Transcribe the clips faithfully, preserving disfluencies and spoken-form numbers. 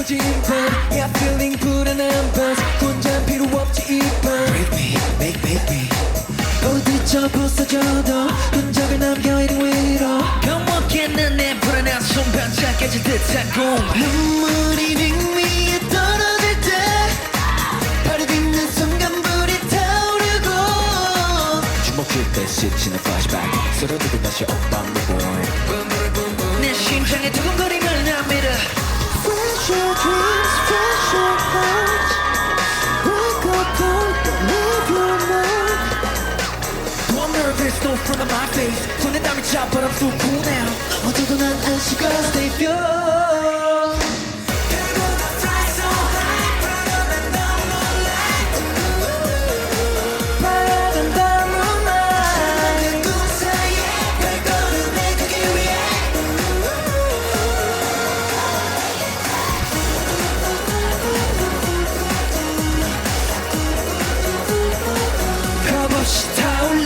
터진 밤 Yeah feeling 불안한 밤 혼자 필요 없지 이밤 Break me, make, make me 어디저 부서져도 흔적을 남겨 이리 위로 병먹겠는 내 불안한 손 반짝여질 듯한 꿈 눈물이 링 위에 떨어질 때 발이 딛는 순간 불이 타오르고 주먹질 때 스치는 flashback 쓰러지고 다시 up I'm reborn 내 심장의 두근거림을 나 믿어 Fresh your dreams, fresh your hearts Break apart, don't leave your mark I'm nervous, no front of my face 손에 땀이 차 but I'm so cool now 어쩌고 난 안식어 Stay pure 겁없이 타올라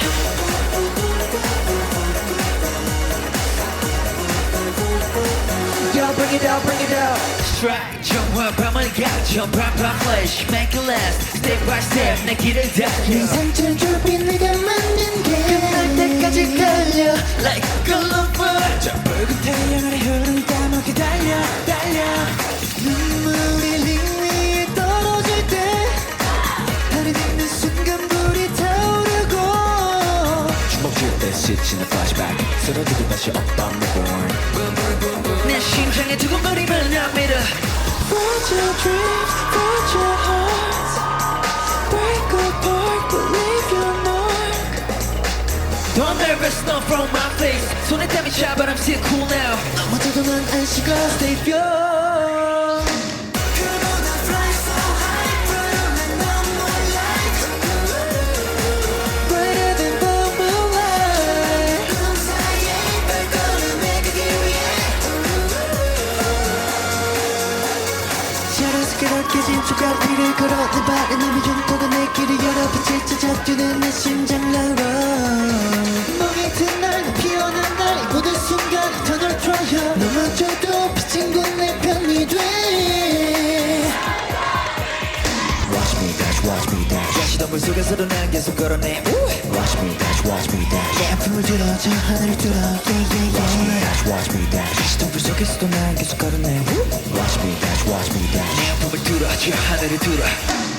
Yo, bring it out, bring it out Strike 정화 밤을 가져 밤밤 flash Make it last Step by step 내 길을 내 달려 상처를 좁힌 내가 만든 게 끝날 때까지 달려 Like a lover 저 붉은 태양 아래 흐르는 땀을 달려 달려 눈물이 링 위에 떨어질 때 발이 딛는 순간 불이 타오르고 주먹질 때 스치는 flashback 쓰러지고 다시 up I'm reborn 내 심장의 두근거림을 나 믿어 Find your dreams, find your hearts Break apart, but leave your mark Don't nervous, no from my face 손에 땀이 차 but I'm still cool now 어쩌고 난 안식어 Stay pure Brighter than the moonlight 자라서 깨닫게진 조각 위를 걸어 내 발에 남의 용도가 내 길을 열어 빛을 찾아 뛰는 내 심장나로 멍이 든 날 피어난 날 이 모든 순간이 더 넓혀요 넘어져도 비친 곳 내 편이 돼 Watch me dash watch me dash 가시덤불 속에서도 난 계속 걸어내 Watch me dash watch me dash 내 아픔을 들어 저 하늘을 뚫어 yeah yeah Watch me yeah dash watch me dash 가시덤불 속에서도 난 계속 걸어내 Watch me dash watch me dash 내 아픔을 뚫어 저 하늘을 뚫어